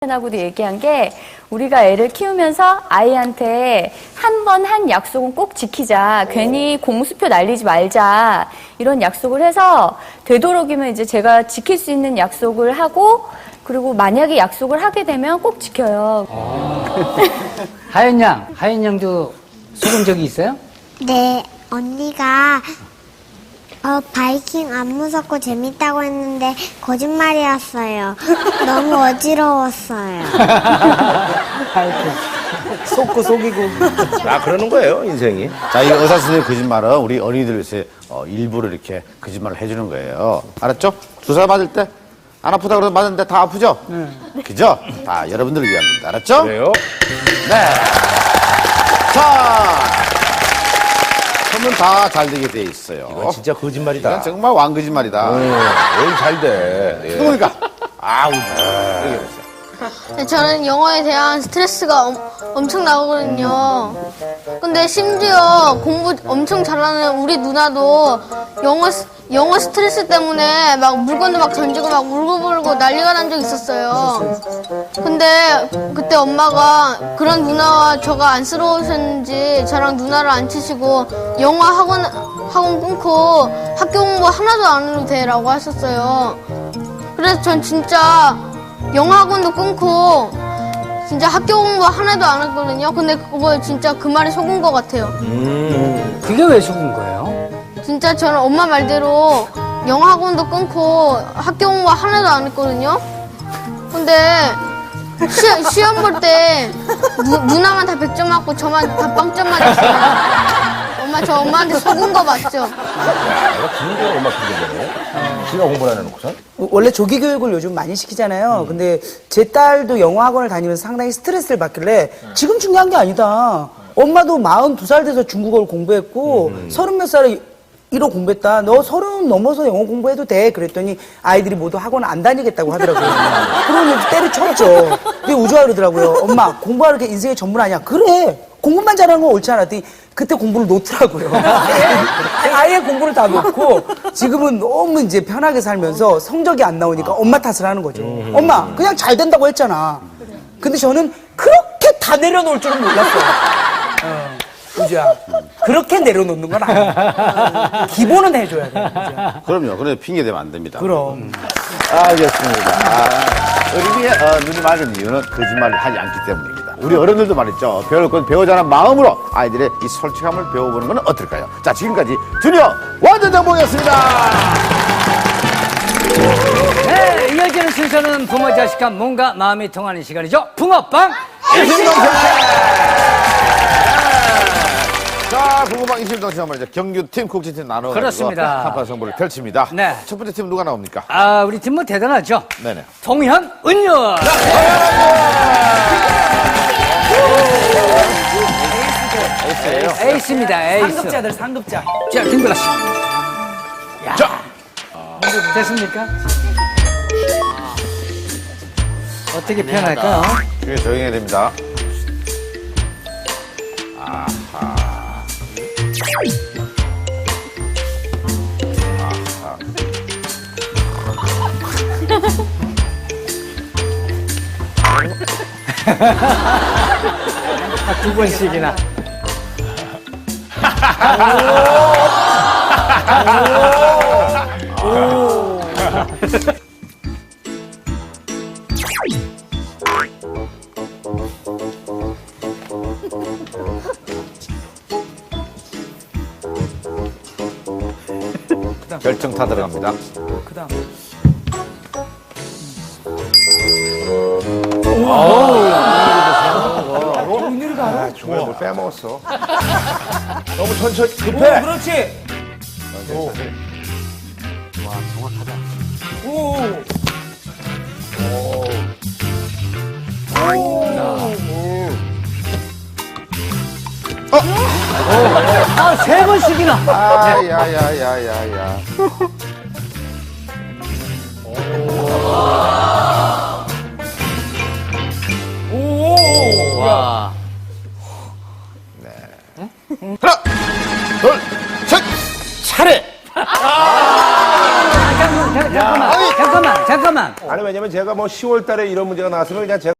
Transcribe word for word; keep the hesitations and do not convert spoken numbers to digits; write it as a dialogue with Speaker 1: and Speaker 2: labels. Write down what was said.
Speaker 1: 하고도 얘기한 게 우리가 애를 키우면서 아이한테 한 번 한 약속은 꼭 지키자. 괜히 공수표 날리지 말자. 이런 약속을 해서 되도록이면 이제 제가 지킬 수 있는 약속을 하고 그리고 만약에 약속을 하게 되면 꼭 지켜요.
Speaker 2: 하연 양, 하연 양도 속은 적이 있어요?
Speaker 3: 네, 언니가 어, 바이킹 안 무섭고 재밌다고 했는데 거짓말이었어요. 너무 어지러웠어요.
Speaker 4: 속고 속이고.
Speaker 5: 아, 그러는 거예요, 인생이.
Speaker 6: 자, 이 의사 선생님 거짓말은 우리 어린이들 어, 일부러 이렇게 거짓말을 해주는 거예요. 알았죠? 주사 맞을 때 안 아프다 그러면 맞았는데 다 아프죠? 네. 그죠? 다 여러분들을 위한 겁니다. 알았죠?
Speaker 5: 그래요?
Speaker 6: 네. 자, 그러면 다 잘 되게 돼 있어요.
Speaker 5: 이건 진짜 거짓말이다.
Speaker 6: 이건 정말 왕거짓말이다.
Speaker 5: 오, 오늘 잘 돼. 예.
Speaker 6: 누굽니까? 아우,
Speaker 7: 네, 저는 영어에 대한 스트레스가 엄, 엄청 나거든요. 근데 심지어 공부 엄청 잘하는 우리 누나도 영어, 스- 영어 스트레스 때문에 막 물건도 막 던지고 막 울고불고 난리가 난 적 있었어요. 근데 그때 엄마가 그런 누나와 저가 안쓰러우셨는지 저랑 누나를 안 치시고 영어 학원, 학원 끊고 학교 공부 하나도 안 해도 돼라고 하셨어요. 그래서 전 진짜 영어 학원도 끊고 진짜 학교 공부 하나도 안 했거든요. 근데 그거 진짜 그 말이 속은 것 같아요.
Speaker 2: 그게 왜 속은 거예요?
Speaker 7: 진짜 저는 엄마 말대로 영어 학원도 끊고 학교 공부 하나도 안 했거든요. 근데 시, 시험 볼 때 누나만 다 백 점 맞고 저만 다 빵점 맞았어요. 엄마 저 엄마한테 속은 거 맞죠?
Speaker 5: 내가 진짜 얼마 핑계대네. 지가 공부를 안 해놓고선?
Speaker 4: 원래 조기 교육을 요즘 많이 시키잖아요. 근데 제 딸도 영어 학원을 다니면서 상당히 스트레스를 받길래 지금 중요한 게 아니다. 엄마도 마흔두 살 돼서 중국어를 공부했고 서른 몇 살에 일어 공부했다. 너 서른 넘어서 영어 공부해도 돼. 그랬더니 아이들이 모두 학원 안 다니겠다고 하더라고요. 그러면 때려쳤죠. 근데 우주가 그러더라고요. 엄마 공부하는 게 인생의 전문 아니야. 그래. 공부만 잘하는 건 옳지 않아. 그때 공부를 놓더라고요. 아예 공부를 다 놓고 지금은 너무 이제 편하게 살면서 성적이 안 나오니까 엄마 탓을 하는 거죠. 엄마 그냥 잘 된다고 했잖아. 근데 저는 그렇게 다 내려놓을 줄은 몰랐어요. 어, 우주야 그렇게 내려놓는 건 아니야. 기본은 해줘야 돼. 우주야.
Speaker 6: 그럼요. 그래 핑계 대면 안 됩니다.
Speaker 4: 그럼.
Speaker 6: 알겠습니다. 아, 어린이의 어, 눈이 맑은 이유는 거짓말을 하지 않기 때문입니다. 우리 어른들도 말이죠. 배울 건 배우자는 마음으로 아이들의 이 솔직함을 배워보는 건 어떨까요? 자, 지금까지 주니어 완전정보였습니다.
Speaker 2: 네, 이어지는 순서는 부모 자식간 몸과 마음이 통하는 시간이죠. 붕어빵
Speaker 6: 일심동체. 자, 붕어빵 일심동체 말이죠. 경규팀, 국진팀 나눠
Speaker 2: 그렇습니다.
Speaker 6: 한판 승부를 펼칩니다.
Speaker 2: 네.
Speaker 6: 첫 번째 팀 누가 나옵니까?
Speaker 2: 아, 우리 팀 뭐 대단하죠?
Speaker 6: 네네.
Speaker 2: 동현, 은율.
Speaker 6: 에이스예요.
Speaker 2: 에이스입니다, 에이스.
Speaker 4: 상급자들 상급자.
Speaker 2: 자, 김구라 씨. 야.
Speaker 6: 자.
Speaker 2: 됐습니까? 어떻게 표현할까요?
Speaker 6: 되게 조용해야 됩니다.
Speaker 2: 두 번씩이나.
Speaker 6: 결정타 들어갑니다.
Speaker 4: 그 다음.
Speaker 5: 아, 중간에 뭘 빼먹었어. 너무 천천히, 급해.
Speaker 4: 오, 그렇지.
Speaker 5: 와, 정확하다.
Speaker 4: 오.
Speaker 2: 아, 세 번씩이나.
Speaker 6: 아, 야, 야, 야, 야, 야.
Speaker 2: 와.
Speaker 6: 하나, 둘, 셋!
Speaker 2: 차례! 아, 잠깐만, 잠깐만, 잠깐만, 잠깐만.
Speaker 5: 아니 왜냐면 제가 뭐 시월 달에 이런 문제가 나왔으면 그냥 제가